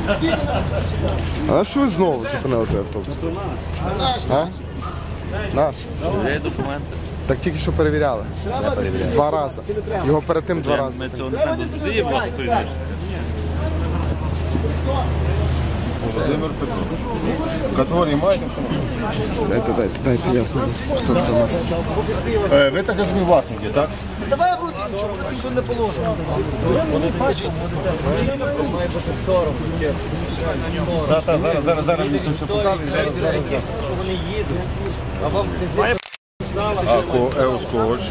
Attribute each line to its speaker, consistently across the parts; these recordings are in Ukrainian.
Speaker 1: А що ви знову зупинили той автобус? А? Наш?
Speaker 2: Є документи.
Speaker 1: Так тільки що перевіряли.
Speaker 2: Я перевіряю.
Speaker 1: 2 рази. Його перед тим 2 рази.
Speaker 2: Ми цього не знаємо. Це є власне перевіряючи.
Speaker 3: Володимир Петрович. Категорії маєте все?
Speaker 1: Дайте ясно, хто це у нас.
Speaker 3: Ви так розумієте власники, так?
Speaker 4: Давай в руки, нічого не положено. Має бути 40.
Speaker 3: Так, зараз мені тут все показує.
Speaker 4: Що вони їдуть. А вам
Speaker 3: Еоскоч.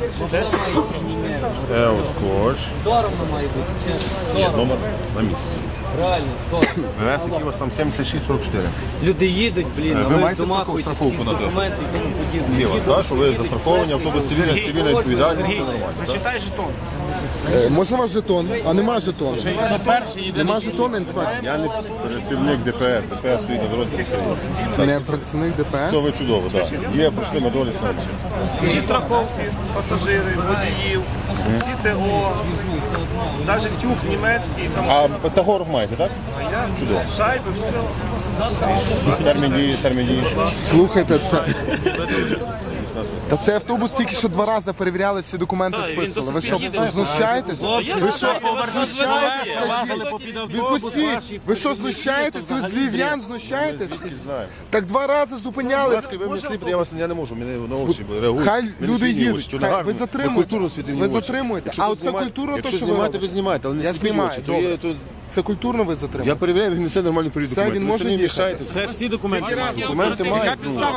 Speaker 3: Еоскоч.
Speaker 4: соромно має бути, чесно.
Speaker 3: Номер на місці.
Speaker 4: Реально, соромно.
Speaker 3: ВС, який у вас там 7644.
Speaker 4: Люди їдуть, блін, а
Speaker 3: Ви
Speaker 4: ви
Speaker 3: маєте
Speaker 4: домахуєтесь
Speaker 3: страховку
Speaker 4: якісь
Speaker 3: на те?
Speaker 4: документи і тому подібне.
Speaker 3: Є у вас, так, що ви застраховані, автобус цивільна відповідальність.
Speaker 5: Зачитай жетон.
Speaker 1: Можна ваш жетон? А нема жетону. Нема жетону, інспектор?
Speaker 3: Я не працівник ДПС, ДПС стоїть на дорозі.
Speaker 1: Не працівник ДПС?
Speaker 3: Це ви чудово, так. Є, пройшли ми долі снайдер.
Speaker 5: Всі страховки, пасажири, водіїв, всі ТО, навіть тюф німецький, там
Speaker 3: А Тагоров маєте, так? Чудово.
Speaker 5: шайби, все.
Speaker 3: Термін дії.
Speaker 1: Слухайте, це... Та цей автобус тільки що 2 рази перевіряли, всі документи списували. Ви що, знущаєтесь? Ви що, знущаєтесь? Відпустіть! Ви що, знущаєтесь? Ви з львів'ян знущаєтесь?
Speaker 3: Знаємо.
Speaker 1: Так 2 рази
Speaker 3: Будь
Speaker 1: зупиняли.
Speaker 3: ласка, ви мені сліпите, я не можу, мене на очі реагують.
Speaker 1: Хай
Speaker 3: Мене
Speaker 1: люди
Speaker 3: світні
Speaker 1: їдуть.
Speaker 3: очі, то
Speaker 1: Хай-
Speaker 3: негарно.
Speaker 1: ви затримуєте.
Speaker 3: Культурно світні
Speaker 1: Ви
Speaker 3: очі.
Speaker 1: затримуєте.
Speaker 3: Якщо
Speaker 1: А
Speaker 3: ви
Speaker 1: оце
Speaker 3: знімаєте-
Speaker 1: культурно, то
Speaker 3: якщо
Speaker 1: що ви
Speaker 3: знімаєте,
Speaker 1: робите?
Speaker 3: ви знімаєте, але не
Speaker 1: Я
Speaker 3: сліпіть
Speaker 1: знімаю,
Speaker 3: очі.
Speaker 1: добре.
Speaker 3: То
Speaker 1: Це культурно ви
Speaker 3: я
Speaker 1: затримуєте?
Speaker 3: перевіряю, він несе нормальну перевірку
Speaker 1: Це
Speaker 3: документів.
Speaker 1: він
Speaker 3: Ви
Speaker 1: може
Speaker 3: самі
Speaker 1: їхати?
Speaker 3: мішаєте.
Speaker 2: Це всі документи.
Speaker 3: Документи мають.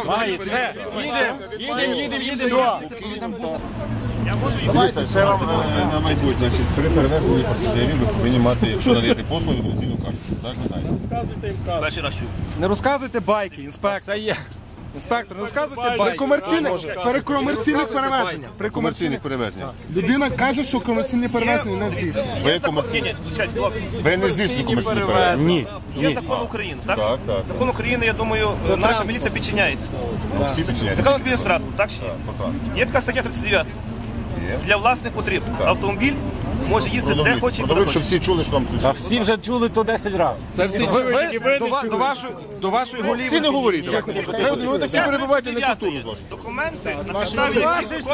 Speaker 3: Дивіться, ще вам на майбутнє. Значить, при перевезенні пасажирів ви повинні мати, якщо надаєте послуги, мобілізаційну карточку. Так, ви знаєте?
Speaker 2: Перший раз чув.
Speaker 6: Не розказуйте байки, інспектор. Інспектор, не розказуйте
Speaker 1: При
Speaker 6: байки.
Speaker 1: комерційних перевезеннях. При
Speaker 3: Комерційних перевезень.
Speaker 1: Людина каже, що комерційні перевезення не здійснює.
Speaker 3: Ви комерційні. Ви не здійснюєте комерційні перевезення.
Speaker 6: Ні.
Speaker 5: Є закон України, так?
Speaker 3: Так, так.
Speaker 5: Закон України, я думаю, наша міліція підчиняється.
Speaker 3: Всі підчиняються.
Speaker 5: Закон України транспорт, так чи ні? Є така стаття 39. Для власних потреб. Автомобіль може їздити де хоче і куди
Speaker 3: Продовжують, щоб
Speaker 5: хоче.
Speaker 3: всі чули, що вам
Speaker 2: А всі вже чули то 10 разів.
Speaker 6: До вашої голів.
Speaker 3: всі не говоріть. Ви так всі перебуваєте на культуру з вашої.
Speaker 5: Документи на підставі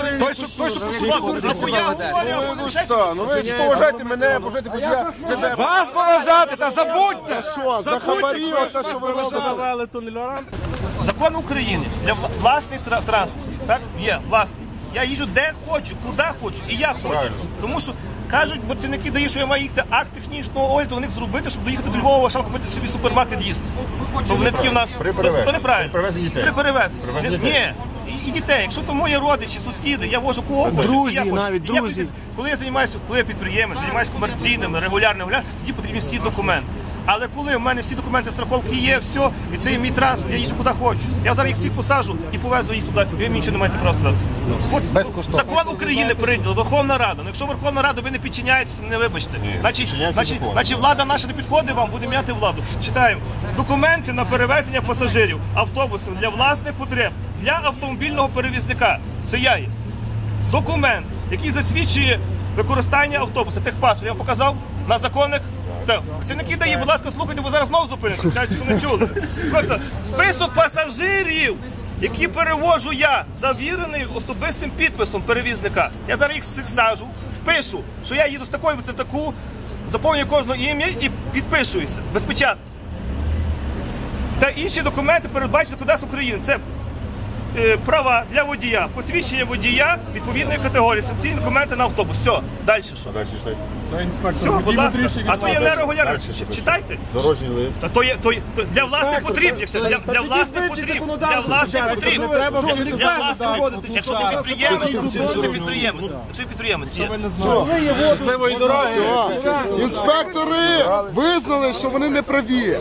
Speaker 3: Ну ви поважайте мене, поважайте водія.
Speaker 6: Вас поважати, та забудьте!
Speaker 1: Що, за хабарі, оце що ви робите?
Speaker 5: Закон України для власний транспорт, так? Є власний. Я їжджу де хочу, куди хочу, і я хочу.
Speaker 3: Правильно.
Speaker 5: Тому що кажуть, працівники дають, що я маю їхати акт технічного огляду у них зробити, щоб доїхати до Львова, шалку купити собі супермаркет їсти. То вони такі в нас.
Speaker 3: При перевезенні.
Speaker 5: То неправильно.
Speaker 3: При перевезенні дітей.
Speaker 5: При перевезенні.
Speaker 3: Привезли дітей.
Speaker 5: Ні. І дітей. Якщо то мої родичі, сусіди, я вожу кого хочу.
Speaker 6: Друзі,
Speaker 5: і я хочу.
Speaker 6: навіть
Speaker 5: І я
Speaker 6: друзі.
Speaker 5: коли я займаюся, коли я підприємець, займаюся комерційним, регулярним, тоді потрібні всі документи. Але коли в мене всі документи страховки є, все, і це є мій транспорт, я їжджу куди хочу. Я зараз їх всіх посаджу і повезу їх туди, ви мені нічого не маєте права сказати. От закон України прийняла, Верховна Рада. Ну, якщо Верховна Рада ви не підчиняєтеся, не вибачте. Значить, влада наша не підходить вам, буде міняти владу. Читаємо. Документи на перевезення пасажирів автобусом для власних потреб, для автомобільного перевізника. Це я є. Документ, який засвідчує використання автобуса, техпаспорт, я вам показав на законних. Працівники ДАІ, будь ласка, слухайте, бо зараз знову зупините, скажуть, що не чули. Список пасажирів, які перевожу я, завірений особистим підписом перевізника. Я зараз їх саджу, пишу, що я їду з такої висотаку, заповнюю кожне ім'я і підпишуюся, безпечатно. Та інші документи передбачені Кодекс України. Це права для водія, посвідчення водія відповідної категорії, санкційні документи на автобус. Все, далі що?
Speaker 3: Далі читайте.
Speaker 5: Все, будь ласка. А то є нерегулярно. Читайте.
Speaker 3: Дорожній лист.
Speaker 5: Та то є для власних потріб, якщо для власних потріб, для власних потріб. Для власних потріб. Якщо ти підприємець, є.
Speaker 2: Щасливої дороги.
Speaker 1: Інспектори визнали, що вони не праві.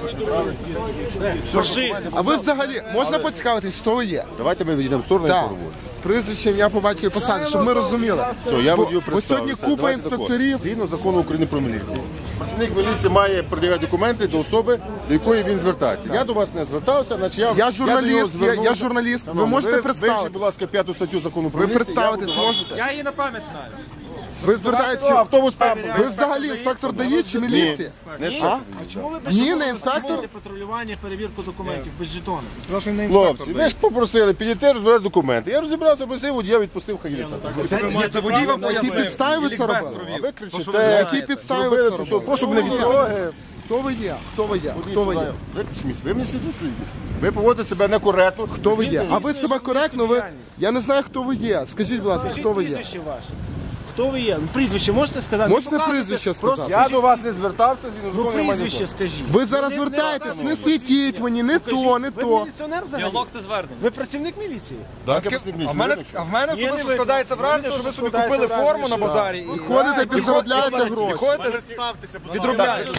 Speaker 1: А ви взагалі, можна поцікавитись, хто ви є?
Speaker 3: Давайте ми відійдемо в сторону і
Speaker 1: Так.
Speaker 3: поговоримо.
Speaker 1: Прізвище, ім'я по батькові посаді, щоб ми розуміли.
Speaker 3: Все, я водію
Speaker 1: Бо сьогодні
Speaker 3: представився.
Speaker 1: купа
Speaker 3: Давайте закон.
Speaker 1: інспекторів.
Speaker 3: Згідно закону України про міліцію. Працівник міліції має пред'являти документи до особи, до якої він звертається. Я до вас не звертався, значить
Speaker 1: Я журналіст, я журналіст. Ви можете
Speaker 3: Вивчіть,
Speaker 1: представити?
Speaker 3: будь ласка, 5 статтю закону про
Speaker 1: Ви
Speaker 3: міліцію.
Speaker 1: представитись можете?
Speaker 6: Я її на пам'ять знаю.
Speaker 1: Ви звертаєте,
Speaker 3: Автобус
Speaker 1: ви взагалі інспектор ДАІ чи міліція?
Speaker 3: Не
Speaker 1: А?
Speaker 3: інспектор.
Speaker 7: Чому ви без
Speaker 1: Ні,
Speaker 7: жетону
Speaker 1: не інспектор.
Speaker 7: здійснюєте патрулювання, перевірку документів без жетону?
Speaker 6: Прошу не
Speaker 3: Хлопці, ви ж попросили підійти розбирати документи. Я розібрався, просив водія, відпустив, хай їде.
Speaker 6: Це водій вам
Speaker 1: На які підстави ви це робили?
Speaker 3: А ви кричите,
Speaker 1: На які підстави ви це робили?
Speaker 3: прошу мене відстороги.
Speaker 1: Хто ви є? Хто ви є? Хто ви є?
Speaker 3: Ви мені світло слідите. Ви поводите себе некоректно.
Speaker 1: Хто ви є? А ви себе коректно, ви... Я не знаю, хто ви є. Скажіть, будь ласка, хто ви є?
Speaker 7: Прізвище ваше. Хто ви є? Ну, прізвище можете сказати?
Speaker 1: Можете
Speaker 7: Не показуйте.
Speaker 1: прізвище
Speaker 7: Просто
Speaker 1: сказати?
Speaker 3: Я до вас не звертався, зі
Speaker 7: Ну, прізвище скажіть.
Speaker 1: Ви зараз звертаєтесь, не світіть мені, не то, не
Speaker 7: Ви
Speaker 1: то.
Speaker 7: міліціонер взагалі?
Speaker 2: це звернення.
Speaker 7: Ви працівник міліції?
Speaker 6: А в мене особисто складається враження, що ви собі купили форму на базарі і
Speaker 1: Ходите, підзаробляєте гроші.
Speaker 6: ходите, відробляєте.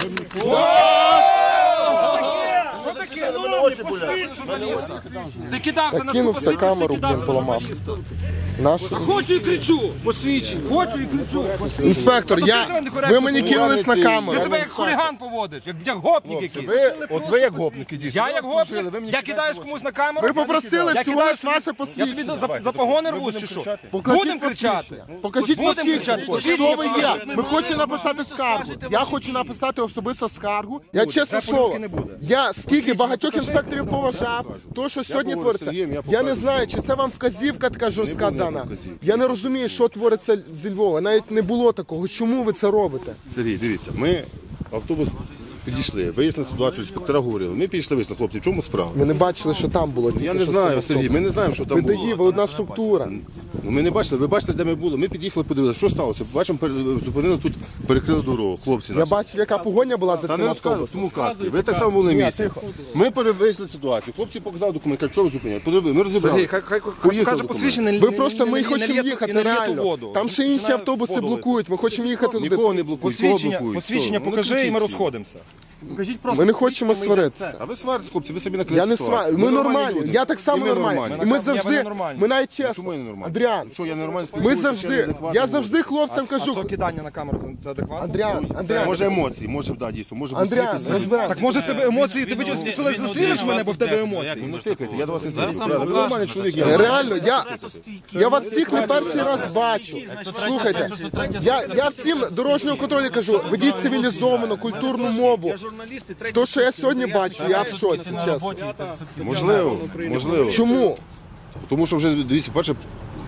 Speaker 6: Ти кидався на
Speaker 1: Кинувся камеру, блін, поламав. Нашу.
Speaker 6: Хочу і кричу. Посвідчень. Хочу і кричу.
Speaker 1: Інспектор, ви мені кинулись на
Speaker 6: Ти
Speaker 1: камеру.
Speaker 6: себе як хуліган поводиш, як гопник якийсь.
Speaker 3: Ви як гопники дійсно.
Speaker 6: Я як гопник, я кидаюсь комусь на камеру.
Speaker 1: Ви попросили
Speaker 6: Я
Speaker 1: всього
Speaker 6: кидаюсь,
Speaker 1: лиш ваше
Speaker 6: я тобі
Speaker 1: посвідчення.
Speaker 6: за погони рву чи що? Будемо кричати.
Speaker 1: Покажіть
Speaker 6: Будемо
Speaker 1: посвідчення.
Speaker 6: кричати.
Speaker 1: Хто ви є? Ми хочемо написати скаргу. Я хочу написати особисто скаргу. Я чесне слово, я скільки багатьох інспекторів поважав, то, що сьогодні твориться, я не знаю, чи це вам вказівка така жорстка дана. Я не розумію, що твориться зі Львова. Навіть не було такого. Чому ви це робите?
Speaker 3: Сергій, дивіться, ми автобус підійшли, вияснили ситуацію, інспектора говорили. Ми підійшли, вияснили, хлопці, в чому справа?
Speaker 1: Ми не бачили, що там було.
Speaker 3: Я не знаю, Сергій, ми не знаємо, що там
Speaker 1: Ви
Speaker 3: було.
Speaker 1: ДАІ, ви одна структура.
Speaker 3: Ну, ми не бачили, ви бачите, де ми були. Ми під'їхали, подивилися, що сталося. Бачимо, зупинили тут, перекрили дорогу, хлопці
Speaker 1: Я
Speaker 3: наші.
Speaker 1: бачив, яка погоня була за
Speaker 3: Та
Speaker 1: цим
Speaker 3: не розказуй,
Speaker 1: автобусом.
Speaker 3: тому казки. Ви так само були на місці. Ми перевезли ситуацію. Хлопці показали документ, кажуть, що ви зупиняли. Подивили, ми розібрали.
Speaker 6: Хай
Speaker 3: Поїхали
Speaker 6: покаже
Speaker 3: документ.
Speaker 6: посвідчення.
Speaker 1: Ви просто, ми хочемо їхати реально. Там ще інші
Speaker 6: Починає
Speaker 1: автобуси
Speaker 6: воду
Speaker 1: блокують, ми хочемо їхати туди.
Speaker 3: Нікого не блокують, кого блокують.
Speaker 6: Посвідчення
Speaker 3: Хто? Ну,
Speaker 6: покажи і
Speaker 3: кричіть
Speaker 6: ми
Speaker 3: всі.
Speaker 6: розходимося.
Speaker 1: Ми не хочемо сваритися.
Speaker 3: А ви сваритесь, хлопці, ви собі накрили
Speaker 1: Я не
Speaker 3: ситуацію.
Speaker 1: сварю, ми нормальні,
Speaker 3: люди.
Speaker 1: я так само
Speaker 3: І ми
Speaker 1: нормальний.
Speaker 3: нормальні.
Speaker 1: І ми
Speaker 6: Я
Speaker 1: завжди,
Speaker 6: ненормальний.
Speaker 1: ми навіть
Speaker 3: Чому
Speaker 1: чесно,
Speaker 3: я не нормальний?
Speaker 1: Андріан,
Speaker 3: Що, я нормально
Speaker 1: ми
Speaker 3: спілкуюся,
Speaker 1: завжди,
Speaker 3: чи неадекватно
Speaker 1: я
Speaker 3: говорю?
Speaker 1: завжди хлопцям кажу,
Speaker 6: То кидання на камеру це адекватно?
Speaker 1: Андріан,
Speaker 3: Може емоції, може, да, дійсно, може
Speaker 1: Андріан,
Speaker 3: бути
Speaker 1: розбираємо.
Speaker 6: Так може в тебе емоції, ти зустрінеш мене, бо в тебе емоції.
Speaker 3: Ну тикайте, я до вас не тикаю. Ви нормальний чоловік, я
Speaker 1: Реально, я вас всіх не перший раз бачу. Слухайте, я всім дорожнього контролю кажу, ведіть цивілізовану, культурну мову.
Speaker 7: Я журналіст і третій.
Speaker 1: То, що я сьогодні бачу, я в шоці, чесно.
Speaker 3: Можливо, можливо.
Speaker 1: Чому?
Speaker 3: Тому що вже, дивіться, перше,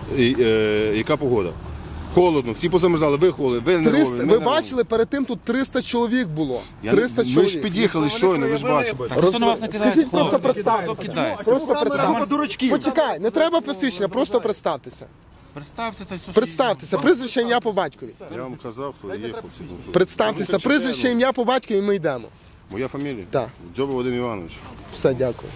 Speaker 3: яка погода. Холодно, всі позамерзали, ви холодні, ви нервові. ми
Speaker 1: Ви
Speaker 3: нервові.
Speaker 1: бачили, перед тим тут 300 чоловік було.
Speaker 3: Я
Speaker 1: 300
Speaker 3: Ми ж
Speaker 1: чоловік.
Speaker 3: під'їхали щойно, ви ж бачите.
Speaker 1: Скажіть, просто представтеся. Просто представтеся. Почекай, не треба посвідчення, просто представтеся. Представтеся, прізвище, ім'я по батькові.
Speaker 3: Я вам казав, хто є, хлопці. ну що.
Speaker 1: Представтеся, прізвище, ім'я по батькові, і ми йдемо.
Speaker 3: Моя фамілія?
Speaker 1: Так.
Speaker 3: Дзьоба Вадим Іванович.
Speaker 1: Все, дякую.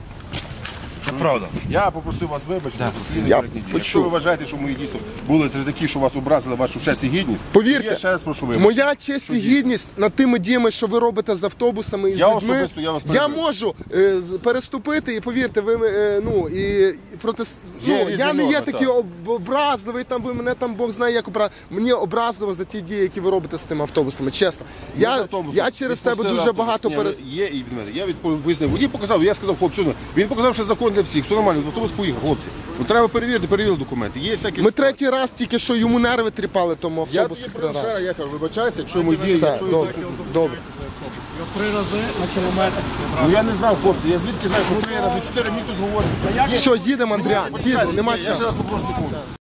Speaker 3: Це правда. Я попросив вас вибачити.
Speaker 1: Я
Speaker 3: Якщо ви вважаєте, що мої дійсно були такі, що вас образили вашу честь і гідність,
Speaker 1: Повірте,
Speaker 3: я ще раз прошу вибачити.
Speaker 1: моя честь і гідність над тими діями, що ви робите з автобусами і з
Speaker 3: Я
Speaker 1: людьми,
Speaker 3: особисто, я вас
Speaker 1: я
Speaker 3: перебив.
Speaker 1: можу переступити, і повірте, ви проти
Speaker 3: Є різні
Speaker 1: я не є
Speaker 3: норми,
Speaker 1: такий
Speaker 3: так.
Speaker 1: образливий, там ви мене там Бог знає, як мені образливо за ті дії, які ви робите з тими автобусами. Чесно, я через себе дуже багато
Speaker 3: Є і від мене. Я пояснив. Водій показав, я сказав, хлопці, він показав, що закон для всіх, все нормально, автобус поїхав, хлопці. Ну треба перевірили документи. Є всякі.
Speaker 1: Ми третій раз тільки що йому нерви тріпали тому
Speaker 3: Я
Speaker 1: автобусу 3 рази.
Speaker 3: я кажу, вибачайся, якщо ми діємо,
Speaker 1: Все,
Speaker 3: якщо
Speaker 1: добре, добре.
Speaker 7: 3 рази на кілометр.
Speaker 3: Ну я не знав, хлопці, я звідки знаю, що 3 рази, 4 мені тут говорять.
Speaker 1: Все, їдемо, Андріан, їдемо, нема
Speaker 3: Я ще
Speaker 1: часу.
Speaker 3: раз попрошу секунду.